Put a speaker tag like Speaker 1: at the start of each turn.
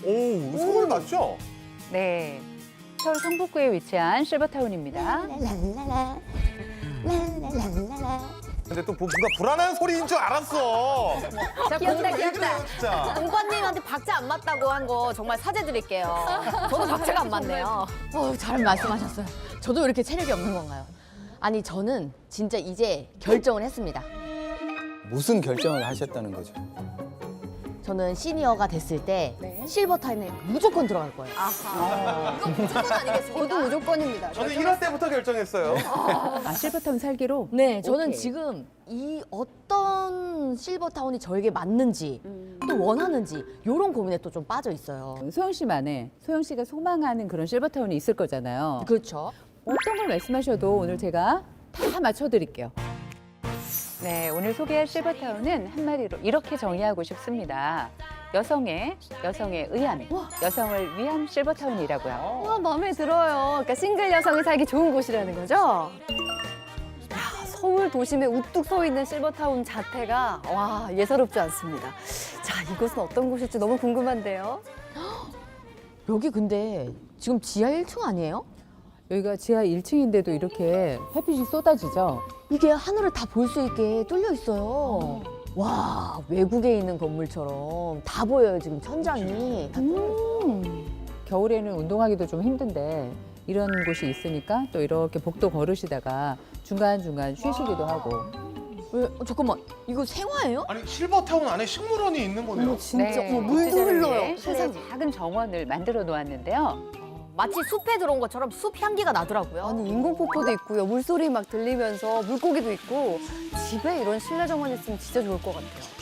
Speaker 1: 오, 서울 맞죠?
Speaker 2: 네. 서울 성북구에 위치한 실버타운입니다.
Speaker 3: 랄랄라 랄랄랄라.
Speaker 1: 근데 또 뭔가 불안한 소리인 줄 알았어.
Speaker 3: 자,
Speaker 1: 왜
Speaker 3: 귀엽다.
Speaker 1: 그래요, 진짜?
Speaker 3: 공파님한테 박자 안 맞다고 한 거 정말 사죄드릴게요. 저도 박자가 안 맞네요.
Speaker 4: 잘 말씀하셨어요. 저도 이렇게 체력이 없는 건가요? 아니, 저는 진짜 이제 결정을 했습니다.
Speaker 5: 무슨 결정을 하셨다는 거죠?
Speaker 4: 저는 시니어가 됐을 때 실버타임에 무조건 들어갈 거예요.
Speaker 3: 이거 무조건 아니겠습니까?
Speaker 4: 저도 무조건입니다.
Speaker 1: 저는 1화 때부터 결정했어요.
Speaker 2: 실버타운 살기로?
Speaker 4: 네, 저는
Speaker 2: 오케이.
Speaker 4: 지금 이 어떤 실버타운이 저에게 맞는지 또 원하는지 이런 고민에 또 좀 빠져 있어요.
Speaker 2: 소영 씨만의, 소영 씨가 소망하는 그런 실버타운이 있을 거잖아요.
Speaker 4: 그렇죠.
Speaker 2: 어떤 걸 말씀하셔도 오늘 제가 다 맞춰드릴게요. 네, 오늘 소개할 실버타운은 한마디로 이렇게 정의하고 싶습니다. 여성에 의한, 여성을 위한 실버타운이라고요.
Speaker 6: 와, 마음에 들어요. 그러니까 싱글 여성이 살기 좋은 곳이라는 거죠? 야, 서울 도심에 우뚝 서 있는 실버타운 자태가 와, 예사롭지 않습니다. 자, 이곳은 어떤 곳일지 너무 궁금한데요.
Speaker 4: 여기 근데 지금 지하 1층 아니에요?
Speaker 2: 여기가 지하 1층인데도 이렇게 햇빛이 쏟아지죠?
Speaker 4: 이게 하늘을 다 볼 수 있게 뚫려 있어요. 와, 외국에 있는 건물처럼 다 보여요, 지금 천장이. 다 뚫려 있어요.
Speaker 2: 겨울에는 운동하기도 좀 힘든데 이런 곳이 있으니까 또 이렇게 복도 걸으시다가 중간중간 쉬시기도 하고.
Speaker 4: 왜, 잠깐만, 이거 생화예요?
Speaker 1: 아니, 실버타운 안에 식물원이 있는 거네요.
Speaker 4: 진짜,
Speaker 2: 네,
Speaker 4: 물도
Speaker 2: 주차장에
Speaker 4: 흘러요.
Speaker 2: 실내 작은 정원을 만들어 놓았는데요.
Speaker 3: 마치 숲에 들어온 것처럼 숲 향기가 나더라고요.
Speaker 6: 아니, 인공폭포도 있고요. 물소리 막 들리면서 물고기도 있고 집에 이런 실내 정원 있으면 진짜 좋을 것 같아요.